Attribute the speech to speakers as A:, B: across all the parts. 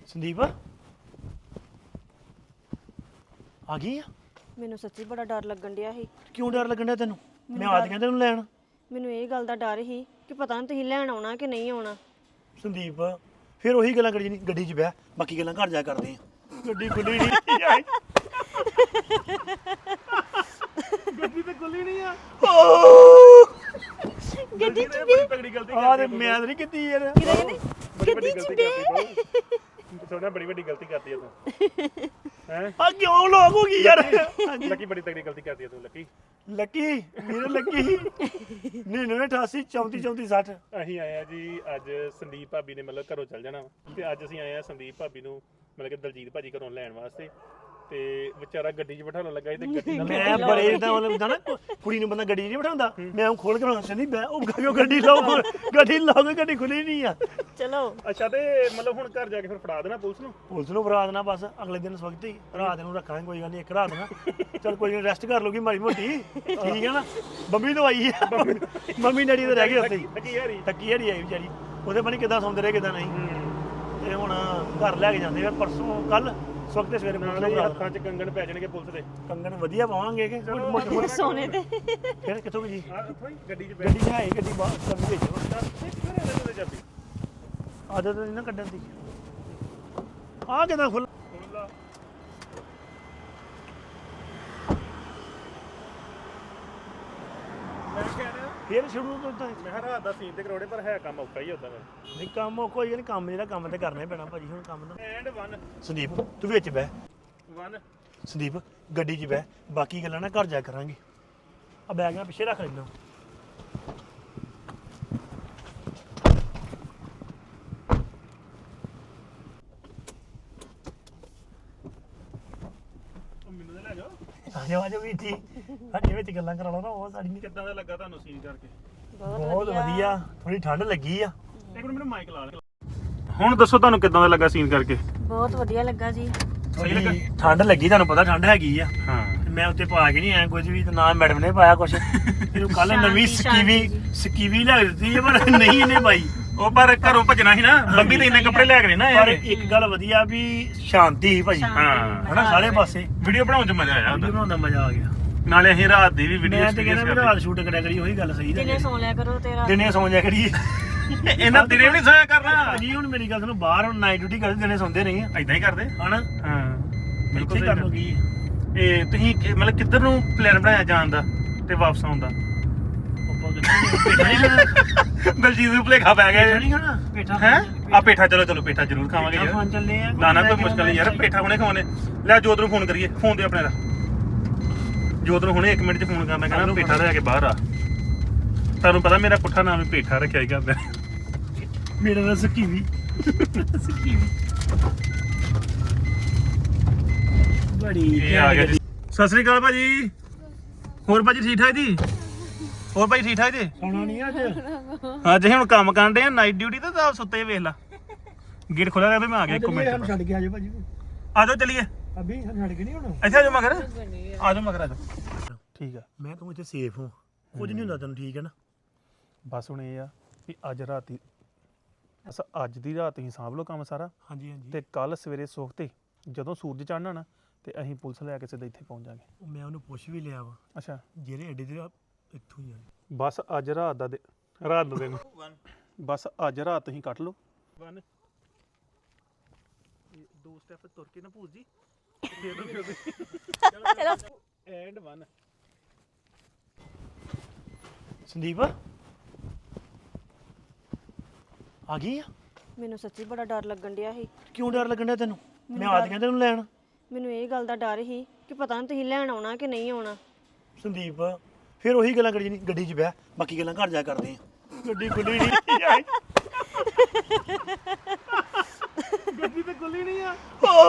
A: ਸੰਦੀਪ ਆ ਗਈ ਆ?
B: ਮੈਨੂੰ ਸੱਚੀ ਬੜਾ ਡਰ ਲੱਗਣ ਡਿਆ ਸੀ।
A: ਕਿਉਂ ਡਰ ਲੱਗਣ ਡਿਆ ਤੈਨੂੰ? ਮੈਂ ਆ ਗਿਆ ਤੈਨੂੰ ਲੈਣ।
B: ਮੈਨੂੰ ਇਹ ਗੱਲ ਦਾ ਡਰ ਸੀ ਕਿ ਪਤਾ ਨਹੀਂ ਤੁਸੀਂ ਲੈਣ ਆਉਣਾ ਕਿ ਨਹੀਂ ਆਉਣਾ।
A: ਸੰਦੀਪ ਫਿਰ ਉਹੀ ਗੱਲਾਂ ਕਰੀ ਨਹੀਂ, ਗੱਡੀ 'ਚ ਬਹਿ, ਬਾਕੀ ਗੱਲਾਂ ਘਰ ਜਾ ਕਰਦੇ ਆ। ਗੱਡੀ ਖੁੱਲੀ ਨਹੀਂ ਆਈ, ਗੱਡੀ ਤੇ ਖੁੱਲੀ ਨਹੀਂ ਆ।
B: ਗੱਡੀ 'ਚ ਵੀ
C: ਤਗੜੀ ਗਲਤੀ
A: ਆ ਤੇ ਮੈਂ ਤਾਂ ਨਹੀਂ ਕੀਤੀ ਯਾਰ।
B: ਗੱਡੀ 'ਚ ਵੀ
C: ਥੋੜਾ ਬੜੀ ਵੱਡੀ ਗਲਤੀ ਕਰਦੀ ਆ ਤੂੰ ਹੈ
A: ਆ ਕਿਉਂ ਲੋਕ ਹੋ ਗਈ ਯਾਰ?
C: ਲੱਕੀ ਬੜੀ ਤਗੜੀ ਗਲਤੀ ਕਰਦੀ ਆ ਤੂੰ ਲੱਕੀ
A: ਲੱਕੀ ਮੇਰੇ ਲੱਕੀ 9988 34 34 60।
C: ਅਸੀਂ ਆਏ ਆ ਜੀ ਅੱਜ ਸੰਦੀਪ ਭਾਬੀ ਨੇ ਮਤਲਬ ਘਰੋਂ ਚੱਲ ਜਾਣਾ ਵਾ ਤੇ ਅੱਜ ਅਸੀਂ ਆਏ ਆ ਸੰਦੀਪ ਭਾਬੀ ਨੂੰ ਮਤਲਬ ਕਿ ਦਲਜੀਤ ਭਾਜੀ ਘਰੋਂ ਲੈਣ ਵਾਸਤੇ ਤੇ ਵਿਚਾਰਾ ਗੱਡੀ 'ਚ ਬਿਠਾਉਣ ਲੱਗਾ ਸੀ ਤੇ ਗੱਡੀ ਨਾਲ
A: ਮੈਂ ਬੜੇ ਇਦਾਂ ਮਤਲਬ ਹੁੰਦਾ ਨਾ ਕੁੜੀ ਨੂੰ ਬੰਦਾ ਗੱਡੀ ਨਹੀਂ ਬਿਠਾਉਂਦਾ, ਮੈਂ ਉਹ ਖੋਲ ਕੇ ਬਣਾਉਂਦਾ ਨਹੀਂ ਬੈ ਉਹ ਗੱਡੀ ਲਾਓ, ਗੱਡੀ ਲਾਓਗੇ, ਗੱਡੀ ਖੁੱਲੀ ਨਹੀਂ ਆ।
B: ਚਲੋ
C: ਅੱਛਾ ਤੇ ਮਤਲਬ ਹੁਣ ਘਰ ਜਾ ਕੇ ਫਿਰ ਫੜਾ ਦੇਣਾ ਪੁਲਿਸ ਨੂੰ
A: ਪੁਲਿਸ ਨੂੰ ਫੜਾ ਦੇਣਾ ਬਸ, ਅਗਲੇ ਦਿਨ ਸਵਖਤ ਹੀ ਰਾਤ ਨੂੰ ਰੱਖਾਂਗੇ, ਕੋਈ ਗੱਲ ਨਹੀਂ, ਇੱਕ ਰਾਤ ਨਾ ਚਲ ਕੋਈ ਨਹੀਂ, ਰੈਸਟ ਕਰ ਲੂਗੀ ਮਾੜੀ ਮੋਟੀ, ਠੀਕ ਹੈ ਨਾ। ਬੰਬੀ ਤੋਂ ਆਈ ਆ, ਮੰਮੀ ਡੈਡੀ ਤਾਂ ਰਹਿ ਗਏ ਉੱਥੇ ਹੀ,
C: ਲੱਕੀ ਯਾਰੀ
A: ਟੱਕੀ ਹੜੀ ਆਈ ਵਿਚਾਰੀ, ਉਹਦੇ ਪਤਾ ਕਿੱਦਾਂ ਸੌਂਦੇ ਰਹੇ ਕਿੱਦਾਂ ਨਹੀਂ। ਤੇ ਹੁਣ ਘਰ ਲੈ ਕੇ ਜਾਂਦੇ ਆ ਪਰਸੋਂ ਕੱਲ ਸਵਖਤੇ ਸਵੇਰੇ ਪੁਲਿਸ ਨੂੰ ਫੜਾ
C: ਹੱਥਾਂ 'ਚ ਕੰਗਣ ਪੈ ਜਾਣਗੇ ਪੁਲਿਸ ਦੇ
A: ਕੰਗਣ ਵਧੀਆ ਪਾਵਾਂਗੇ ਕਿ ਮੋਟੇ ਮੋਟੇ
B: ਸੋਨੇ ਤੇ
A: ਫਿਰ ਕਿੱਥੋਂ ਜੀ
C: ਉੱਥੋਂ ਹੀ ਗੱਡੀ 'ਚ
A: ਗੱਡੀ 'ਚ ਹੈ ਹੀ, ਗੱਡੀ ਬਾਹਰ ਚਾਬੀ ਵਿੱਚ
C: ਬੈਠ ਚਾਬੀ
A: ਆਦਤ ਨਹੀਂ ਨਾ ਕੱਢਣ ਦੀ। ਆ ਕਿਦਾਂ ਖੁੱਲ
C: ਮੈਂ ਕਹਿ ਰਿਹਾ
A: ਫਿਰ ਸ਼ੁਰੂ ਤੋਂ ਤਾਂ
C: ਮੈਂ ਕਿਹਾ ਰਾਤ ਦਾ ਸੀਨ ਤੇ ਕਰੋੜੇ ਪਰ ਹੈ ਕੰਮ ਔਖਾ ਹੀ ਹੁੰਦਾ ਵਾ
A: ਨਹੀਂ ਕੰਮ ਕੋਈ ਨਹੀਂ, ਕੰਮ ਜਿਹੜਾ ਕੰਮ ਤੇ ਕਰਨਾ ਹੀ ਪੈਣਾ ਭਾਜੀ, ਹੁਣ ਕੰਮ ਦਾ।
C: ਐਂਡ 1
A: ਸੰਦੀਪ ਤੂੰ ਵਿੱਚ ਬਹਿ,
C: 1
A: ਸੰਦੀਪ ਗੱਡੀ 'ਚ ਬਹਿ, ਬਾਕੀ ਗੱਲਾਂ ਨਾ ਘਰ ਜਾ ਕਰਾਂਗੇ। ਆ ਬੈਗ ਨਾ ਪਿੱਛੇ ਰੱਖ ਲੈਣਾ।
C: ਮੈਨੂੰ ਤਾਂ ਲੈ ਜਾਓ
A: ਆਜੋ ਆਜੋ ਵੀ ਜੀ, ਸਾਡੇ ਵਿੱਚ ਗੱਲਾਂ ਕਰਾ ਲਓ ਨਾ, ਉਹ ਸਾਡੀ ਨਹੀਂ।
C: ਕਿੱਦਾਂ ਦਾ ਲੱਗਾ ਤੁਹਾਨੂੰ ਸੀਨ ਕਰਕੇ
A: ਬਹੁਤ ਵਧੀਆ, ਥੋੜੀ ਠੰਡ ਲੱਗੀ ਆ।
C: ਇੱਕ ਮਿੰਟ ਮੈਨੂੰ ਮਾਈਕ ਲਾ ਲੈ ਹੁਣ ਦੱਸੋ ਤੁਹਾਨੂੰ ਕਿੱਦਾਂ ਦਾ ਲੱਗਾ ਸੀਨ ਕਰਕੇ
B: ਬਹੁਤ ਵਧੀਆ ਲੱਗਾ ਜੀ।
C: ਸਹੀ ਲੱਗਾ?
A: ਠੰਡ ਲੱਗੀ, ਤੁਹਾਨੂੰ ਪਤਾ ਠੰਡ ਹੈਗੀ ਆ।
C: ਹਾਂ
A: ਤੇ ਮੈਂ ਉੱਤੇ ਪਾ ਕੇ ਨਹੀਂ ਆਇਆ ਕੁਝ ਵੀ, ਤੇ ਨਾ ਮੈਡਮ ਨੇ ਪਾਇਆ ਕੁਝ। ਇਹਨੂੰ ਕੱਲ ਨਵੀਂ ਸਕੀਵੀ ਲੈ ਦਿੱਤੀ ਹੈ, ਪਰ ਨਹੀਂ ਇਹਨੇ ਪਾਈ।
C: ਉਹ ਪਰ ਘਰੋਂ ਭੱਜਣਾ ਸੀ ਨਾ, ਬੰਬੀ ਤੇ ਇੰਨੇ ਕੱਪੜੇ ਲੈ ਕੇ ਨਾ
A: ਪਰ
C: ਆਏ
A: ਇੱਕ ਗੱਲ ਵਧੀਆ ਵੀ ਸ਼ਾਂਤੀ ਸੀ ਭਾਜੀ,
C: ਹਾਂ
A: ਹਨਾ ਸਾਰੇ ਪਾਸੇ।
C: ਵੀਡੀਓ ਬਣਾਉਣ 'ਚ ਮਜ਼ਾ ਆਇਆ
A: ਵੀਡੀਓ
C: ਉਹਦਾ।
A: ਬਣਾਉਣ ਦਾ ਮਜ਼ਾ ਆ ਗਿਆ।
C: ਨਾਲੇ ਅਸੀਂ ਰਾਤ ਦੀ ਵੀ ਵੀਡੀਓ
A: ਮੈਂ ਤੇ ਕਹਿੰਦਾ ਵੀ ਰਾਤ ਸ਼ੂਟ ਕਰਿਆ ਕਰੀ, ਉਹੀ ਗੱਲ ਸਹੀ
B: ਦਿਨੇ
A: ਹੈ।
B: ਸੌਂ ਲਿਆ ਕਰੋ ਤੇਰਾ।
A: ਦਿਨੇ ਸੌਂ ਜਾ ਕਰੀਏ।
C: ਇਹਨਾਂ ਦਿਨੇ ਵੀ ਨਹੀਂ ਸੋਇਆ ਕਰਨਾ
A: ਭਾਜੀ ਹੁਣ ਮੇਰੀ ਗੱਲ ਸੁਣੋ, ਬਾਹਰ ਹੁਣ ਨਾਈਟ ਡਿਊਟੀ ਕਰਦੇ, ਦਿਨੇ ਸੌਂਦੇ ਨਹੀਂ ਆ,
C: ਐਦਾਂ ਹੀ ਕਰਦੇ
A: ਹਨਾ।
C: ਹਾਂ
A: ਇੱਥੇ
C: ਬਿਲਕੁਲ
A: ਕਰ ਲੋ ਕੀ ਹੈ।
C: ਇਹ ਤੁਸੀਂ ਮਤਲਬ ਕਿੱਧਰ ਨੂੰ ਪਲਾਨ ਬਣਾਇਆ ਜਾਣ ਦਾ ਤੇ ਵਾਪਸ ਆਉਣ ਦਾ
A: ਆਪਾਂ ਕਿੱਥੇ
C: ਦਲਜੀਤ ਨੂੰ ਭੁਲੇਖਾ ਪੈ ਗਿਆ
A: ਨਹੀਂ ਖਾਣਾ ਪੇਠਾ
C: ਹੈ ਆ ਪੇਠਾ ਚਲੋ ਪੇਠਾ ਜ਼ਰੂਰ ਖਾਵਾਂਗੇ ਯਾਰ
A: ਖਾਣ ਚੱਲੇ ਆ।
C: ਨਾ ਕੋਈ ਮੁਸ਼ਕਲ ਨਹੀਂ ਯਾਰ, ਪੇਠਾ ਹੁਣੇ ਖਾਣੇ। ਲੈ ਜੋਤ ਨੂੰ ਫੋਨ ਕਰੀਏ, ਫੋਨ ਦੇ ਆਪਣੇ ਦਾ ਜੋਤ ਨੂੰ ਹੁਣੇ 1 ਮਿੰਟ 'ਚ ਫੋਨ ਕਰਨਾ, ਕਹਿੰਦਾ ਪੇਠਾ ਲੈ ਕੇ ਬਾਹਰ ਆ। ਤੁਹਾਨੂੰ ਪਤਾ ਮੇਰਾ ਪੁੱਠਾ ਨਾਮ ਵੀ ਪੇਠਾ ਰੱਖਿਆ ਹੀ ਕਰਦਾ।
A: ਮੇਰਾ ਤਾਂ ਸਕੀਵੀ ਬੜੀ
C: ਇਹ ਆ ਗਿਆ ਜੀ। ਸਤਿ ਸ੍ਰੀ ਅਕਾਲ ਭਾਜੀ। ਹੋਰ ਭਾਜੀ ਠੀਕ ਠਾਕ ਜੀ? ਹੋਰ ਭਾਜੀ ਠੀਕ ਠਾਕ ਜੀ?
A: ਖਾਣਾ ਨਹੀਂ ਅੱਜ।
C: ਅੱਜ ਅਸੀਂ ਹੁਣ ਕੰਮ ਕਰਨ ਦੇ ਆ ਨਾਈਟ ਡਿਊਟੀ ਤੇ ਤਾਂ ਸੁੱਤੇ ਵੇਖ ਲਾ। ਗੇਟ ਖੋਲਿਆ ਰਿਹਾ ਤੇ ਮੈਂ ਆ ਗਿਆ 1 ਮਿੰਟ।
A: ਛੱਡ ਕੇ ਆਜੋ ਭਾਜੀ,
C: ਆ ਜਾਓ ਚਲੀਏ
A: ਅਭੀ ਛੱਡ ਕੇ ਨਹੀਂ ਹੁਣ।
C: ਇੱਥੇ ਆ ਜਾਓ ਮਗਰ, ਆ ਜਾਓ ਮਗਰ ਆ ਜਾਓ। ਠੀਕ ਆ
A: ਮੈਂ ਤੂੰ ਇੱਥੇ ਸੇਫ ਹਾਂ, ਕੁਝ ਨਹੀਂ ਹੁੰਦਾ ਤੈਨੂੰ, ਠੀਕ ਹੈ ਨਾ।
C: ਬਸ ਹੁਣ ਇਹ ਆ ਵੀ ਅੱਜ ਰਾਤੀ ਅੱਜ ਦੀ ਰਾਤ ਹੀ ਸਾਂਭ ਲਓ ਕੰਮ ਸਾਰਾ,
A: ਹਾਂਜੀ ਹਾਂਜੀ।
C: ਤੇ ਕੱਲ ਸਵੇਰੇ ਸੁਖਤੇ ਜਦੋਂ ਸੂਰਜ ਚੜ੍ਹਨਾ ਨਾ ਤੇ ਅਸੀਂ ਪੁਲਿਸ ਲੈ ਕੇ ਸਿੱਧਾ ਇੱਥੇ ਪਹੁੰਚ ਜਾਾਂਗੇ।
A: ਮੈਂ ਉਹਨੂੰ ਪੁੱਛ ਵੀ ਲਿਆ ਵਾ,
C: ਅੱਛਾ
A: ਜਿਹੜੇ ਅੱਡੇ ਦੇ ਇੱਥੋਂ ਹੀ ਆ।
C: ਬਸ ਅੱਜ ਰਾਤ ਦਾ ਰਾਤ ਦਾ ਦਿਨ ਬਸ ਅੱਜ ਰਾਤ ਤੁਸੀਂ ਕੱਟ ਲਓ। 1 2 ਸਟੈਪ ਤੁਰ ਕੇ ਨਾ ਭੂਜ ਜੀ ਚਲੋ ਐਂਡ 1
A: ਸੰਦੀਪ ਆ ਗਈ ਆ?
B: ਮੈਨੂੰ ਸੱਚੀ ਬੜਾ ਡਰ ਲੱਗਣ ਡਿਆ ਸੀ।
A: ਕਿਉਂ ਡਰ ਲੱਗਣ ਡਿਆ ਤੈਨੂੰ? ਮੈਂ ਆ ਗਿਆ ਤੈਨੂੰ ਲੈਣ।
B: ਮੈਨੂੰ ਇਹ ਗੱਲ ਦਾ ਡਰ ਸੀ ਕਿ ਪਤਾ ਨਹੀਂ ਤੁਸੀਂ ਲੈਣ ਆਉਣਾ ਕਿ ਨਹੀਂ ਆਉਣਾ।
A: ਸੰਦੀਪ ਫਿਰ ਉਹੀ ਗੱਲਾਂ ਕਰੀ ਨਹੀਂ, ਗੱਡੀ 'ਚ ਬਹਿ, ਬਾਕੀ ਗੱਲਾਂ ਘਰ ਜਾ ਕਰਦੇ ਆ। ਗੱਡੀ ਖੁੱਲੀ ਨਹੀਂ ਆਈ, ਗੱਡੀ ਤੇ ਖੁੱਲੀ ਨਹੀਂ ਆ।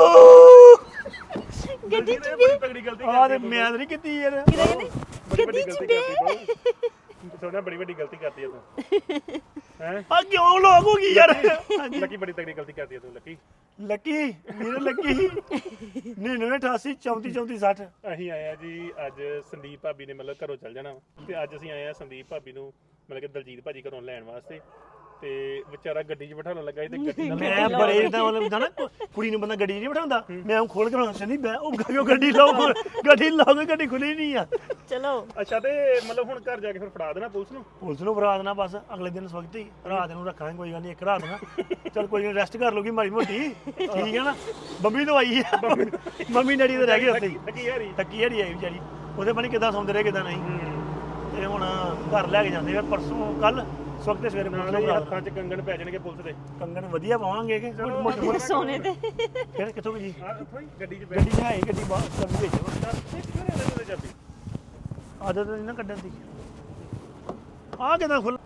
B: ਗੱਡੀ 'ਚ ਵੀ
C: ਤਗੜੀ ਗਲਤੀ
A: ਆ ਤੇ ਮੈਂ ਤਾਂ ਨਹੀਂ ਕੀਤੀ ਯਾਰ।
B: ਗੱਡੀ 'ਚ ਵੀ
C: ਥੋੜਾ ਬੜੀ ਵੱਡੀ ਗਲਤੀ ਕਰਦੀ ਆ ਤੂੰ ਹੈ
A: ਆ ਕਿਉਂ ਲੋਕ ਹੋ ਗਈ ਯਾਰ?
C: ਲੱਕੀ ਬੜੀ ਤਗੜੀ ਗਲਤੀ ਕਰਦੀ ਆ ਤੂੰ ਲੱਕੀ
A: ਲੱਕੀ ਮੇਰੇ ਲੱਕੀ 9988 34 34 60।
C: ਅਸੀਂ ਆਏ ਆ ਜੀ ਅੱਜ ਸੰਦੀਪ ਭਾਬੀ ਨੇ ਮਤਲਬ ਘਰੋਂ ਚੱਲ ਜਾਣਾ ਵਾ ਤੇ ਅੱਜ ਅਸੀਂ ਆਏ ਆ ਸੰਦੀਪ ਭਾਬੀ ਨੂੰ ਮਤਲਬ ਕਿ ਦਲਜੀਤ ਭਾਜੀ ਘਰੋਂ ਲੈਣ ਵਾਸਤੇ ਤੇ ਵਿਚਾਰਾ ਗੱਡੀ 'ਚ ਬਿਠਾਉਣ ਲੱਗਾ ਸੀ ਤੇ ਗੱਡੀ ਨਾਲ
A: ਮੈਂ ਬੜੇ ਇਦਾਂ ਮਤਲਬ ਹੁੰਦਾ ਨਾ ਕੁੜੀ ਨੂੰ ਬੰਦਾ ਗੱਡੀ ਨਹੀਂ ਬਿਠਾਉਂਦਾ ਮੈਂ ਉਹ ਖੋਲ ਕੇ ਬਣਾਉਂਦਾ ਨਹੀਂ ਮੈਂ ਉਹ ਗੱਡੀ ਲਾਓ ਗੱਡੀ ਲਾਓਗੇ ਗੱਡੀ ਖੁੱਲੀ ਨਹੀਂ ਆ
B: ਚਲੋ
C: ਅੱਛਾ ਤੇ ਮਤਲਬ ਹੁਣ ਘਰ ਜਾ ਕੇ ਫਿਰ ਫੜਾ ਦੇਣਾ ਪੁਲਿਸ ਨੂੰ
A: ਫੜਾ ਦੇਣਾ ਬਸ ਅਗਲੇ ਦਿਨ ਸਵਖਤ ਹੀ ਰਾਤ ਨੂੰ ਰੱਖਾਂਗੇ ਕੋਈ ਗੱਲ ਨਹੀਂ ਇੱਕ ਰਾਤ ਨਾ ਚਲ ਕੋਈ ਨਹੀਂ ਰੈਸਟ ਕਰ ਲੂਗੀ ਮਾੜੀ ਮੋਟੀ ਠੀਕ ਹੈ ਨਾ ਬੰਬੀ ਤੋਂ ਆਈ ਆ ਮੰਮੀ ਡੈਡੀ ਤੇ ਰਹਿ ਗਏ ਉੱਥੇ ਹੀ ਥੱਕੀ ਹਰੀ ਆਈ ਵਿਚਾਰੀ ਉਹਦੇ ਪਤਾ ਨੀ ਕਿੱਦਾਂ ਸੌਂਦੇ ਰਹੇ ਕਿੱਦਾਂ ਨਹੀਂ ਤੇ ਹੁਣ ਘਰ ਲੈ ਕੇ ਜਾਂਦੇ ਆ ਪਰਸੋਂ ਕੱਲ ਸਵਖਤੇ ਸਵੇਰੇ ਪੁਲਿਸ ਨੂੰ
C: ਹੱਥਾਂ 'ਚ ਕੰਗਣ ਪੈ ਜਾਣਗੇ ਪੁਲਿਸ ਦੇ
A: ਕੰਗਣ ਵਧੀਆ ਪਾਵਾਂਗੇ ਕਿ ਮੋਟੇ
B: ਸੋਨੇ ਤੇ
A: ਫਿਰ ਕਿੱਥੋਂ ਜੀ
C: ਉੱਥੋਂ ਹੀ ਗੱਡੀ 'ਚ
A: ਗੱਡੀ 'ਚ ਹੈ ਹੀ, ਗੱਡੀ ਬਾਹਰ ਕਰ ਵਿੱਚ
C: ਚਾਬੀ
A: ਆਦਤ ਨਹੀਂ ਨਾ ਕੱਢਣ ਦੀ ਆ ਕਿਦਾਂ ਖੁੱਲ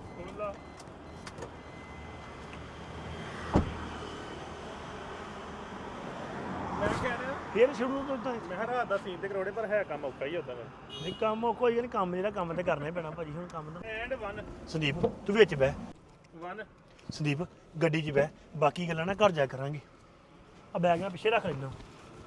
C: ਮੈਂ ਕਹਿ ਰਿਹਾ
A: ਫਿਰ ਸ਼ੁਰੂ ਤੋਂ ਤਾਂ
C: ਮੈਂ ਕਿਹਾ ਰਾਤ ਦਾ ਸੀਨ ਤੇ ਕਰੋੜੇ ਪਰ ਹੈ ਕੰਮ ਔਖਾ ਹੀ ਹੁੰਦਾ ਵਾ
A: ਨਹੀਂ ਕੰਮ ਉਹ ਕੋਈ ਨਹੀਂ ਕੰਮ ਜਿਹੜਾ ਕੰਮ ਤੇ ਕਰਨਾ ਹੀ ਪੈਣਾ ਭਾਜੀ ਹੁਣ ਕੰਮ ਦਾ
C: ਐਂਡ 1
A: ਸੰਦੀਪ ਤੂੰ ਵਿੱਚ ਬਹਿ
C: 1
A: ਸੰਦੀਪ ਗੱਡੀ 'ਚ ਬਹਿ ਬਾਕੀ ਗੱਲਾਂ ਨਾ ਘਰ ਜਾ ਕਰਾਂਗੇ ਆ ਬੈਗ ਮੈਂ ਪਿੱਛੇ ਰੱਖ ਲੈਣਾ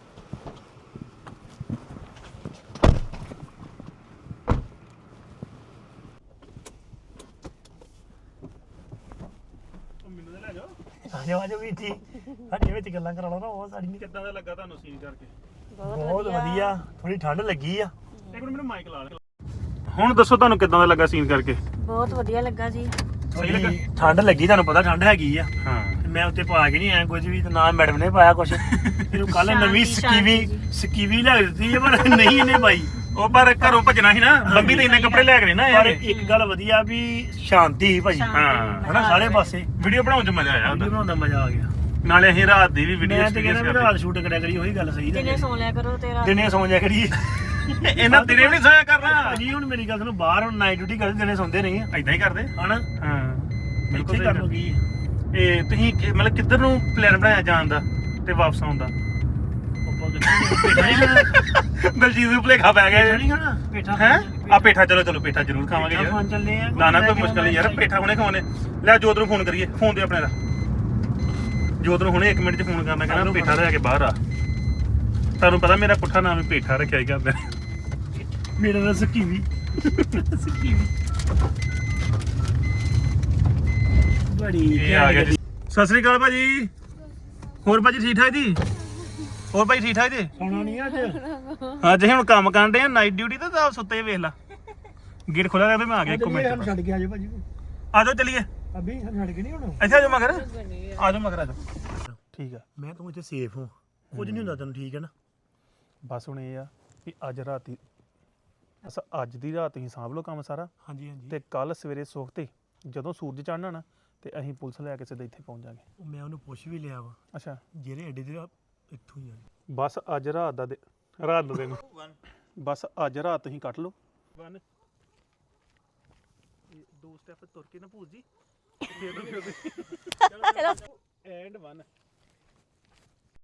C: ਮੈਨੂੰ ਤਾਂ ਲੈ ਜਾਓ
A: ਆਜੋ ਆਜੋ ਵੀ ਜੀ ਸਾਡੀਆਂ ਵਿੱਚ ਗੱਲਾਂ ਕਰਾ ਲਓ ਨਾ ਉਹ ਸਾਡੀ ਨਹੀਂ
C: ਕਿੱਦਾਂ ਦਾ ਲੱਗਾ ਤੁਹਾਨੂੰ ਸੀਨ ਕਰਕੇ
A: ਬਹੁਤ ਵਧੀਆ ਥੋੜੀ ਠੰਡ ਲੱਗੀ ਆ
C: ਇੱਕ ਮਿੰਟ ਮੈਨੂੰ ਮਾਈਕ ਲਾ ਲੈ ਹੁਣ ਦੱਸੋ ਤੁਹਾਨੂੰ ਕਿੱਦਾਂ ਦਾ ਲੱਗਾ ਸੀਨ ਕਰਕੇ
B: ਬਹੁਤ ਵਧੀਆ ਲੱਗਾ ਜੀ
A: ਥੋੜੀ ਠੰਡ ਲੱਗੀ ਤੁਹਾਨੂੰ ਪਤਾ ਠੰਡ ਹੈਗੀ ਆ
C: ਹਾਂ
A: ਤੇ ਮੈਂ ਉੱਤੇ ਪਾ ਕੇ ਨਹੀਂ ਆਇਆ ਕੁਝ ਵੀ ਤੇ ਨਾ ਮੈਡਮ ਨੇ ਪਾਇਆ ਕੁਝ ਇਹਨੂੰ ਕੱਲ ਨਵੀਂ ਸਕੀਵੀ ਲੈ ਦਿੱਤੀ ਹੈ ਪਰ ਨਹੀਂ ਇਹਨੇ ਪਾਈ
C: ਉਹ ਪਰ ਘਰੋਂ ਭੱਜਣਾ ਸੀ ਨਾ ਬੰਬੀ ਤੇ ਇੰਨੇ ਕੱਪੜੇ ਲੈ ਕੇ ਨਾ
A: ਪਰ
C: ਆਏ
A: ਇੱਕ ਗੱਲ ਵਧੀਆ ਵੀ ਸ਼ਾਂਤੀ ਸੀ ਭਾਜੀ
C: ਹਾਂ
A: ਹਨਾ ਸਾਰੇ ਪਾਸੇ
C: ਵੀਡੀਓ ਬਣਾਉਣ 'ਚ ਮਜ਼ਾ ਆਇਆ
A: ਵੀਡੀਓ
C: ਉਹਦਾ
A: ਬਣਾਉਣ ਦਾ ਮਜ਼ਾ ਆ ਗਿਆ
C: ਨਾਲੇ ਅਸੀਂ ਰਾਤ ਦੀ ਵੀ ਵੀਡੀਓ
A: ਮੈਂ ਤੇ ਕਹਿੰਦਾ ਵੀ ਰਾਤ ਸ਼ੂਟ ਕਰਿਆ ਕਰੀ ਉਹੀ ਗੱਲ ਸਹੀ
B: ਦਿਨੇ
A: ਹੈ
B: ਸੌ ਲਿਆ ਕਰੋ ਤੇਰਾ
A: ਦਿਨੇ ਸੌਂ ਜਾ ਕਰੀਏ
C: ਇਹਨਾਂ ਦਿਨੇ ਵੀ ਨਹੀਂ ਸੋਇਆ ਕਰਨਾ
A: ਭਾਜੀ ਹੁਣ ਮੇਰੀ ਗੱਲ ਸੁਣੋ ਬਾਹਰ ਹੁਣ ਨਾਈਟ ਡਿਊਟੀ ਕਰਦੇ ਦਿਨੇ ਸੌਂਦੇ ਨਹੀਂ ਆ
C: ਐਦਾਂ ਹੀ ਕਰਦੇ
A: ਹਨਾ
C: ਹਾਂ
A: ਇੱਥੇ ਕਰ ਲੋ ਕੀ
C: ਇਹ ਤੁਸੀਂ ਮਤਲਬ ਕਿੱਧਰ ਨੂੰ ਪਲਾਨ ਬਣਾਇਆ ਜਾਣ ਦਾ ਤੇ ਵਾਪਸ ਆਉਣ ਦਾ ਦਲਜੀਤ ਨੂੰ ਭੁਲੇਖਾ ਪੈ ਗਿਆ
A: ਨਹੀਂ ਖਾਣਾ ਪੇਠਾ
C: ਹੈ ਆ ਪੇਠਾ ਚਲੋ ਪੇਠਾ ਜ਼ਰੂਰ ਖਾਵਾਂਗੇ ਯਾਰ
A: ਖਾਣ ਚੱਲੇ ਆ
C: ਨਾ ਕੋਈ ਮੁਸ਼ਕਲ ਨਹੀਂ ਯਾਰ ਪੇਠਾ ਹੁਣੇ ਖਾਣੇ ਲੈ ਜੋਤ ਨੂੰ ਫੋਨ ਕਰੀਏ ਫੋਨ ਦੇ ਆਪਣੇ ਦਾ ਜੋਤ ਨੂੰ ਹੁਣੇ 1 ਮਿੰਟ 'ਚ ਫੋਨ ਕਰਨਾ ਕਹਿੰਦਾ ਪੇਠਾ ਲੈ ਕੇ ਬਾਹਰ ਆ ਤੁਹਾਨੂੰ ਪਤਾ ਮੇਰਾ ਪੁੱਠਾ ਨਾਮ ਹੀ ਪੇਠਾ ਰੱਖਿਆ ਹੀ ਕਰਦਾ
A: ਮੇਰਾ ਤਾਂ ਸਕੀਵੀ ਬੜੀ
C: ਇਹ ਆ ਗਿਆ ਜੀ ਸਤਿ ਸ੍ਰੀ ਅਕਾਲ ਭਾਜੀ ਹੋਰ ਭਾਜੀ ਠੀਕ ਠਾਕ ਜੀ ਹੋਰ ਭਾਈ ਠੀਕ ਠਾਕ ਜੀ
A: ਖਾਣਾ ਨਹੀਂ ਅੱਜ
C: ਅੱਜ ਅਸੀਂ ਹੁਣ ਕੰਮ ਕਰਨ ਦੇ ਆ ਨਾਈਟ ਡਿਊਟੀ ਤੇ ਤਾਂ ਸੁੱਤੇ ਵੇਖ ਲਾ ਗੇਟ ਖੋਲਿਆ ਰਿਹਾ ਮੈਂ ਆ ਗਿਆ 1 ਮਿੰਟ
A: ਛੱਡ ਕੇ ਆਜੋ ਭਾਜੀ
C: ਆ ਜਾਓ ਚਲੀਏ
A: ਅਭੀ ਛੱਡ ਕੇ ਨਹੀਂ ਹੁਣ
C: ਇੱਥੇ ਆ ਜਾਓ ਮਗਰ ਆ ਜਾਓ ਠੀਕ ਆ
A: ਮੈਂ ਤੂੰ ਇੱਥੇ ਸੇਫ ਹਾਂ ਕੁਝ ਨਹੀਂ ਹੁੰਦਾ ਤੈਨੂੰ ਠੀਕ ਹੈ ਨਾ
C: ਬਸ ਹੁਣ ਇਹ ਆ ਵੀ ਅੱਜ ਰਾਤੀ ਅੱਜ ਦੀ ਰਾਤ ਤੁਸੀਂ ਸਾਂਭ ਲਓ ਕੰਮ ਸਾਰਾ
A: ਹਾਂਜੀ ਹਾਂਜੀ
C: ਤੇ ਕੱਲ ਸਵੇਰੇ ਸੁਖਤੇ ਜਦੋਂ ਸੂਰਜ ਚੜ੍ਹਨਾ ਨਾ ਤੇ ਅਸੀਂ ਪੁਲਿਸ ਲੈ ਕੇ ਸਿੱਧਾ ਇੱਥੇ ਪਹੁੰਚ ਜਾਾਂਗੇ
A: ਮੈਂ ਉਹਨੂੰ ਪੁੱਛ ਵੀ ਲਿਆ ਵਾ
C: ਅੱਛਾ
A: ਜਿਹੜੇ ਅੱਡੇ ਦੇ ਇੱਥੋਂ ਹੀ ਆ
C: ਬਸ ਅੱਜ ਰਾਤ ਦਾ ਦਿਨ ਬਸ ਅੱਜ ਰਾਤ ਤੁਸੀਂ ਕੱਟ ਲਓ 1 2 ਸਟੈਪ ਤੁਰ ਕੇ ਨਾ ਭੂਜ ਜੀ ਚਲੋ ਐਂਡ 1